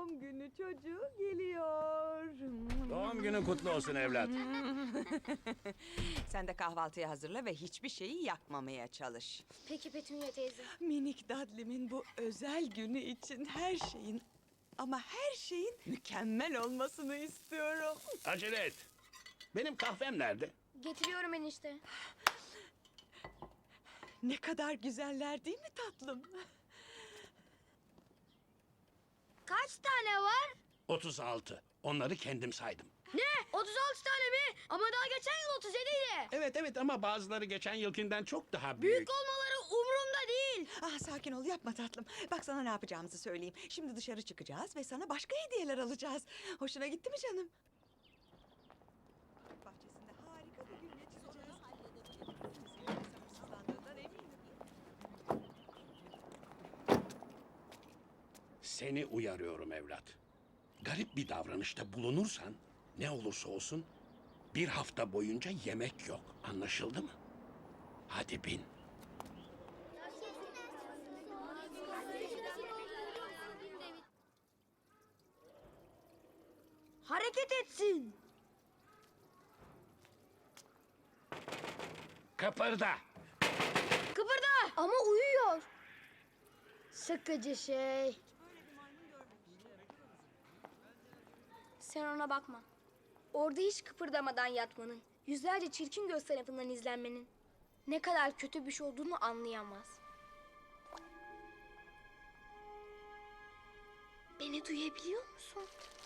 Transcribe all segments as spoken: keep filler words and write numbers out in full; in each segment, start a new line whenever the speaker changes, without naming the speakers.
doğum günü çocuğu geliyor.
Doğum günün kutlu olsun evlat.
Sen de kahvaltıyı hazırla ve hiçbir şeyi yakmamaya çalış.
Peki Petunia teyze.
Minik Dudley'min bu özel günü için her şeyin ama her şeyin mükemmel olmasını istiyorum.
Acele et. Benim kahvem nerede?
Getiriyorum enişte.
Ne kadar güzeller değil mi tatlım?
Kaç tane var?
otuz altı. Onları kendim saydım.
Ne? otuz altı tane mi? Ama daha geçen yıl otuz yediydi.
Evet evet ama bazıları geçen yılkinden çok daha büyük.
Büyük olmaları umurumda değil.
Ah sakin ol yapma tatlım. Bak sana ne yapacağımızı söyleyeyim. Şimdi dışarı çıkacağız ve sana başka hediyeler alacağız. Hoşuna gitti mi canım? Bahçesinde harika bir gün geçireceğiz. Senin sabırsızlandığından eminim.
Seni uyarıyorum evlat. Garip bir davranışta bulunursan ne olursa olsun bir hafta boyunca yemek yok. Anlaşıldı mı? Hadi bin.
Hareket etsin.
Kıpırda.
Kıpırda. Ama uyuyor. Sıkıcı şey. Sen ona bakma. Orada hiç kıpırdamadan yatmanın, yüzlerce çirkin göz tarafından izlenmenin ne kadar kötü bir şey olduğunu anlayamaz. Beni duyabiliyor musun?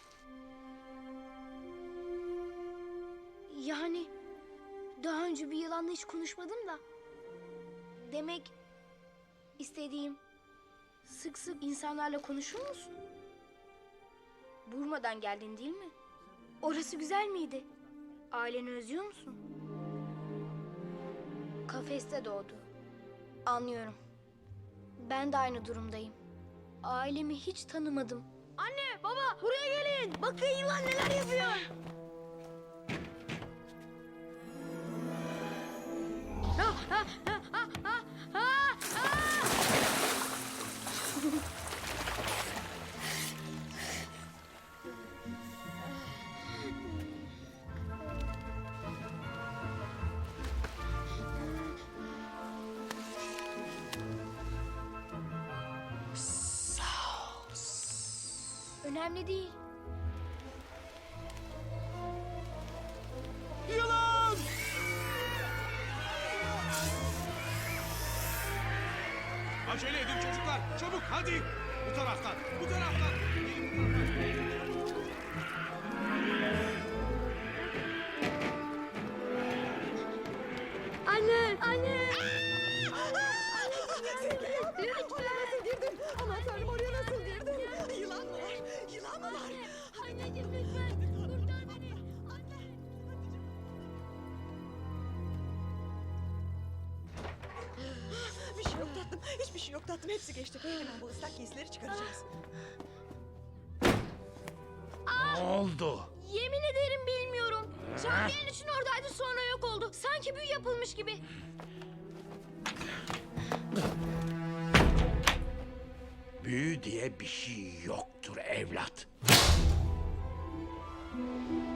Yani daha önce bir yılanla hiç konuşmadım da. Demek istediğim sık sık insanlarla konuşur musun? Burma'dan geldin değil mi? Orası güzel miydi? Aileni özlüyor musun? Kafeste doğdu. Anlıyorum. Ben de aynı durumdayım. Ailemi hiç tanımadım. Anne, baba, buraya gelin. Bakın yılan neler yapıyor. Ha, ha, ha, ha, ha, ha, ha. Önemli değil.
Yılan!
Acele edin çocuklar. Çabuk hadi. Bu taraftan. Bu taraftan. Gelin bu taraftan.
Anne, anne.
Oraya nasıl girdin? Aman tanrım oraya nasıl girdin? Yılan mı var? Yılan mı var?
Anneciğim lütfen kurtar beni. Anne.
Bir şey yok tatlım. Hiçbir şey yok tatlım. Hepsi geçti. Hemen bu ıslak giysileri çıkaracağız.
Ne oldu?
Yemin ederim bilmiyorum. Şahriye'nin için oradaydı sonra yok oldu. Sanki büyü yapılmış gibi.
Büyü diye bir şey yoktur evlat.